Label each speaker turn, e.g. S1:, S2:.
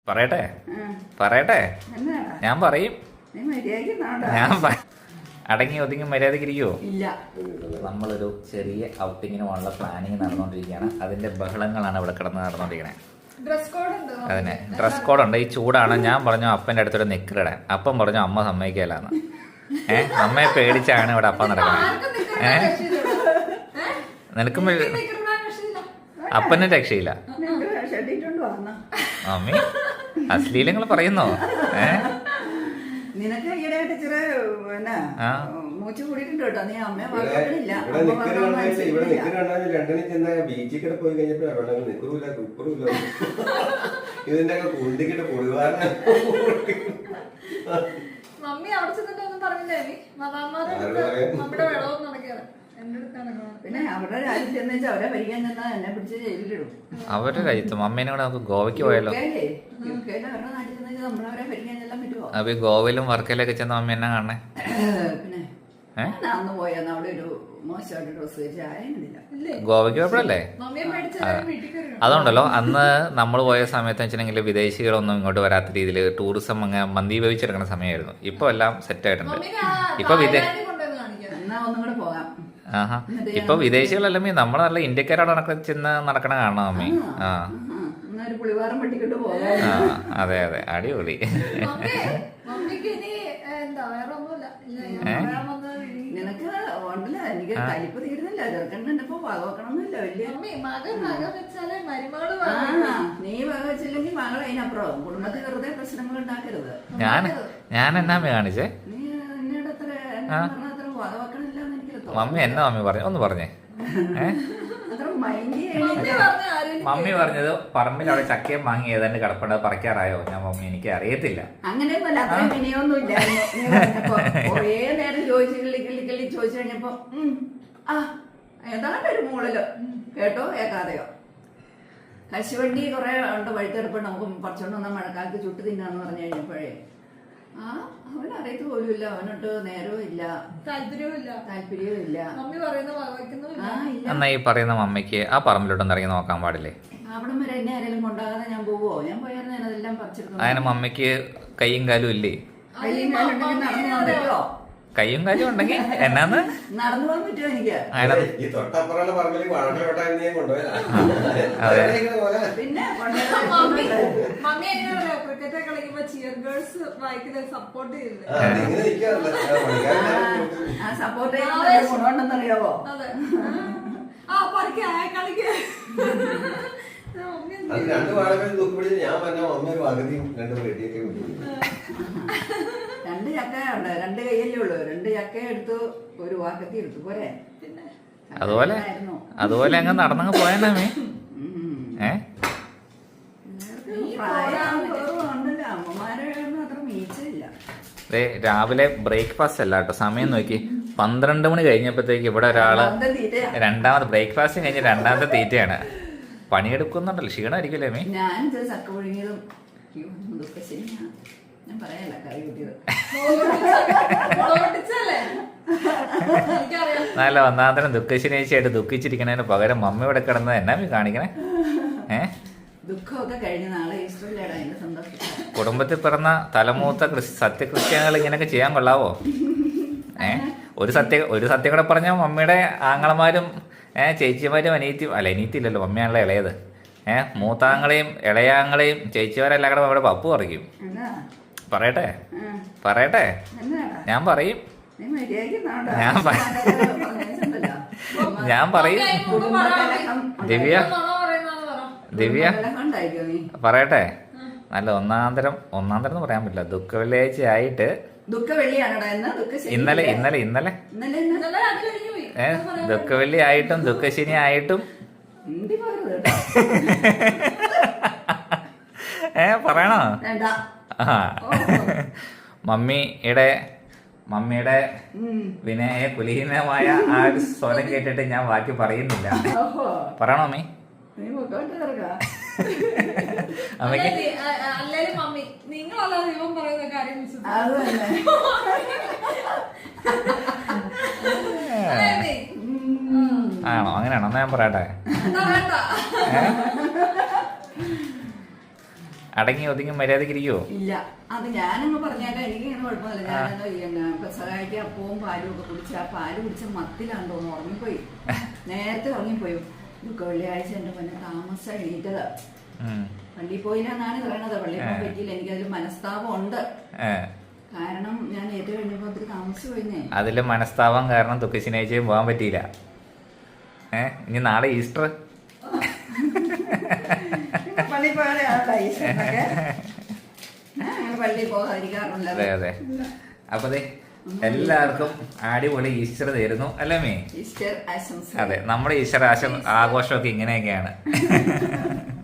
S1: പറയട്ടെ പറയട്ടെ ഞാൻ പറയും. ഞാൻ അടങ്ങി ഒതുങ്ങി മര്യാദയ്ക്ക് ഇരിക്കുവോ?
S2: ഇല്ല.
S1: നമ്മളൊരു ചെറിയ ഔട്ടിങ്ങിന് പോകാനുള്ള പ്ലാനിങ് നടന്നുകൊണ്ടിരിക്കുകയാണ്. അതിന്റെ ബഹളങ്ങളാണ് ഇവിടെ കിടന്ന് നടന്നുകൊണ്ടിരിക്കണേ. അതിനെ ഡ്രസ് കോഡ് ഉണ്ട്. ഈ ചൂടാണ്. ഞാൻ പറഞ്ഞു അപ്പൻ്റെ അടുത്തൊരു നിക്കറിടാൻ. അപ്പം പറഞ്ഞു അമ്മ സമ്മതിക്കലാന്ന്. അമ്മയെ പേടിച്ചാണ് ഇവിടെ അപ്പം നടക്കണേ. നിനക്കും അപ്പനും രക്ഷയില്ല. മമ്മി അശ്ലീലങ്ങൾ പറയുന്നോ?
S2: നിനക്ക് ഈടായിട്ട് ചെറിയ മൂച്ചു കൂടിയിട്ടുണ്ട് കേട്ടോ. നീ അമ്മയെ
S3: ലണ്ടനിൽ ചെന്ന ബീച്ചിൽ കൂടെ പോയി കഴിഞ്ഞപ്പോ നിക്കറില്ല കുപ്പറില്ല ഇതിന്റെ ഒക്കെ കുണ്ടിക്കിട്ട് പൊളിവാറ
S4: മമ്മി അവിടെ ചെന്നിട്ടൊന്നും പറഞ്ഞില്ലേ? നമ്മുടെ വെള്ളവും നടക്കാറ്
S2: പിന്നെ അവരുടെ രാജ്യത്ത് ചെന്ന് വെച്ചാൽ അവരെ ഭരിക്കാൻ ചെന്നാ എന്നെ പിടിച്ച് ജയിലിലിടും.
S1: അവരുടെ രാജ്യത്ത് മമ്മീനെ കൂടെ നമുക്ക് ഗോവയ്ക്ക് പോയാലോ?
S2: അവരുടെ നാട്ടിൽ ചെന്ന് നമ്മളവരെ ഭരിക്കാൻ ചെല്ലാൻ പറ്റുമോ?
S1: അപ്പൊ ഗോവയിലും വർക്കയിലൊക്കെ ചെന്ന മമ്മി എന്നാ കാണണേ?
S2: പിന്നെ അന്ന് പോയെന്ന് അവിടെ ഒരു മോശമായിട്ട് ഡ്രസ് വെച്ച് ആയിരുന്നില്ല.
S1: ഗോവയ്ക്ക് പോയപ്പോഴല്ലേ? അതുകൊണ്ടല്ലോ അന്ന് നമ്മൾ പോയ സമയത്ത് വെച്ചിട്ടുണ്ടെങ്കിൽ വിദേശികളൊന്നും ഇങ്ങോട്ട് വരാത്ത രീതിയിൽ ടൂറിസം അങ്ങ് മന്ദീഭവിച്ചെടുക്കുന്ന സമയമായിരുന്നു. ഇപ്പൊ എല്ലാം സെറ്റ് ആയിട്ടുണ്ട്. ഇപ്പൊ
S2: ഒന്നും കൂടെ പോകാം.
S1: ഇപ്പൊ വിദേശികളല്ല നമ്മള് നല്ല ഇന്ത്യക്കാരോട് ചെന്ന് നടക്കണ കാണാം മമ്മി. അതെ അതെ അടിപൊളി.
S2: നിനക്ക് ഉണ്ടല്ല എനിക്ക് കലിപ്പ് തീരുന്നില്ല. ചെറുക്കണ്ടപ്പോ വകവെക്കണമെന്നില്ല. നീ വക വെച്ചില്ലെങ്കിൽ മകൾ അതിനപ്പുറം കുടുംബത്തിൽ വെറുതെ പ്രശ്നങ്ങൾ ഉണ്ടാക്കരുത്.
S1: ഞാൻ എന്നാ കാണിച്ചേ?
S2: നീ എന്നോട് അത്ര വകവെക്കണില്ല.
S1: മമ്മി എന്നാ മമ്മി പറഞ്ഞു? ഒന്ന് പറഞ്ഞേ. മമ്മി പറഞ്ഞത് പറമ്പിൽ അവിടെ ചക്കയും വാങ്ങി ഏതാണ്ട് കിടപ്പുണ്ട്, പറിക്കാറായോ? ഞാൻ മമ്മി എനിക്ക് അറിയത്തില്ല.
S2: അങ്ങനെയൊന്നുമല്ല. അത്ര വിനയൊന്നുമില്ല. കൊറേ നേരം ചോദിച്ചു കിള്ളി ചോദിച്ചു കഴിഞ്ഞപ്പോ ഏതാണ്ട് ഒരു മൂളലോ കേട്ടോ കേൾക്കാതെയോ. കശുവണ്ടി കുറെ ഉണ്ട് വഴുത്തെടുപ്പ് നമുക്ക് പറിച്ചോണ്ട് വന്നാൽ മഴക്കാലത്ത് ചുട്ട് തിന്നാന്ന് പറഞ്ഞു കഴിഞ്ഞപ്പോഴേ അവനറിയത്ത് പോലുമില്ല. അവനോട്ട് നേരവും ഇല്ല, താല്പര്യവും ഇല്ല.
S1: എന്നാ ഈ പറയുന്ന മമ്മിക്ക് ആ പറമ്പിലോട്ടൊന്നും ഇറങ്ങി നോക്കാൻ പാടില്ലേ?
S2: അവിടെ വരെ എന്നെ ആരെങ്കിലും കൊണ്ടാകാതെ ഞാൻ പോവോ? ഞാൻ പോയാലും ഞാൻ അതെല്ലാം പറിച്ചെടുക്കും.
S1: അതിന് മമ്മിക്ക് കയ്യും കാലും ഇല്ലേ?
S2: കയ്യും കാലും ഉണ്ടെങ്കിൽ നടന്നു പോകാൻ പറ്റുമോ?
S1: കയ്യും കാലും ഉണ്ടെങ്കിൽ എന്നാന്ന്
S2: നടന്നു പോകാൻ പറ്റുമോ എനിക്ക്? പിന്നെ
S4: ക്രിക്കറ്റ് കളിക്കുമ്പോ ചിയർ ഗേൾസ് വായിക്കുന്നത് സപ്പോർട്ട് ചെയ്തില്ലേ?
S2: സപ്പോർട്ട് ചെയ്യുന്ന ഗുണമുണ്ടെന്നറിയാവോ?
S4: അതെ. കളിക്ക
S3: രണ്ട് വാഴകൾ തൂക്കിപ്പിടിച്ച് ഞാൻ പറഞ്ഞ അമ്മ ഒരു പകുതിയും രണ്ട് വെടിയൊക്കെ
S2: രണ്ട് ചക്ക ഉണ്ട്. രണ്ട് കയ്യല്ലേ ഉള്ളു. രണ്ട് ചക്ക എടുത്തു, ഒരു വാക്കത്തി എടുത്തു പോരെ.
S1: അതുപോലെ അങ്ങ് നടന്നങ്ങ് പോയാലേ
S2: അമ്മമാരൊന്നും അത്ര മീച്ചില്ല.
S1: രാവിലെ ബ്രേക്ക്ഫാസ്റ്റ് അല്ല കേട്ടോ. സമയം നോക്കി 12 മണി കഴിഞ്ഞപ്പോഴത്തേക്ക് ഇവിടെ ഒരാള് രണ്ടാമത് ബ്രേക്ക്ഫാസ്റ്റ് കഴിഞ്ഞ് രണ്ടാമത്തെ തീറ്റയാണ്. പണിയെടുക്കുന്നുണ്ടല്ലോ, ക്ഷീണമായിരിക്കില്ലേ മീ?
S2: ഞാൻ ചക്ക പുഴുങ്ങിയതും ഞാൻ പറയല്ല കറി കൂട്ടിയത്.
S1: നല്ല ഒന്നാന്തരം ദുഃഖശനിയാഴ്ചയായിട്ട് ദുഃഖിച്ചിരിക്കണതിന് പകരം മമ്മി ഇവിടെ കിടന്നത് എന്നാ മീ കാണിക്കണേ?
S2: ദുഃഖമൊക്കെ കഴിഞ്ഞ നാളെ ഈസ്റ്ററിലാണ് അതിന്റെ സന്തോഷം.
S1: കുടുംബത്തിൽ പിറന്ന തലമൂത്ത സത്യക്രിസ്ത്യാനികൾ ഇങ്ങനെയൊക്കെ ചെയ്യാൻ കൊള്ളാവോ? ഒരു സത്യം കൂടെ പറഞ്ഞാൽ മമ്മിയുടെ ആങ്ങളമാരും ചേച്ചിമാരും അനിയത്തില്ലല്ലോ, മമ്മിയാണല്ലോ ഇളയത്. മൂത്താങ്ങളെയും ഇളയാങ്ങളെയും ചേച്ചിമാരെല്ലാം കൂടെ അവിടെ പപ്പു പറിക്കും. പറയട്ടെ പറയട്ടെ ഞാൻ പറയും. ഞാൻ പറയും. ദിവ്യ പറയട്ടെ. നല്ല ഒന്നാന്തരം എന്ന് പറയാൻ പറ്റില്ല. ദുഃഖ വെള്ളിയാഴ്ച ആയിട്ട് ഇന്നലെ ദുഃഖവെള്ളി ആയിട്ടും ദുഃഖശനി ആയിട്ടും പറയണോ? മമ്മിയുടെ വിനയ കുലീനമായ ആ ഒരു സ്വരം കേട്ടിട്ട് ഞാൻ ബാക്കി പറയുന്നില്ല. പറയണോ മമ്മി? ആണോ? അങ്ങനെയാണോ? എന്നാ ഞാൻ പറയട്ടെ. അടങ്ങി ഒതുങ്ങി മര്യാദക്ക് ഇരിക്കുവോ?
S2: ഇല്ല, അത് ഞാനങ്ങ് പറഞ്ഞേക്കാം. എനിക്ക് ഇങ്ങനെ കുഴപ്പമില്ല. ഞാനെന്തോ പെസഹായിക്ക് അപ്പവും പാലും ഒക്കെ കുടിച്ച് ആ പാല് കുടിച്ച മത്തിലാന്ന് തോന്നുന്നു ഉറങ്ങിപ്പോയി. നേരത്തെ ഉറങ്ങിപ്പോയി. വെള്ളിയാഴ്ച എന്റെ പൊന്നെ താമസം എണീറ്റതാ. പള്ളിയിൽ പോയില്ലെന്നാണ് പറയണത്. പള്ളിയിൽ പോകാൻ പറ്റിയില്ല. എനിക്കതിൽ മനസ്താപം ഉണ്ട്. കാരണം ഞാൻ ഏറ്റവും കഴിഞ്ഞപ്പോ ഒത്തിരി താമസിച്ചു പോയിന്നേ.
S1: അതില് മനസ്താപം കാരണം ദുഃഖശനിയാഴ്ചയും പോകാൻ പറ്റിയില്ല. ഇനി നാളെ ഈസ്റ്റർ.
S2: പള്ളിയിൽ പോയാലേ ഈസ്റ്ററിനൊക്കെ പള്ളിയിൽ പോകാതിരിക്കാറുണ്ട്.
S1: അതെ അതെ. അപ്പൊ എല്ലാവർക്കും അടിപൊളി ഈസ്റ്റർ തരുന്നു അല്ലേ മേ?
S2: ഈസ്റ്റർ ആശംസ.
S1: അതെ, നമ്മുടെ ഈസ്റ്റർ ആഘോഷമൊക്കെ ഇങ്ങനെയൊക്കെയാണ്.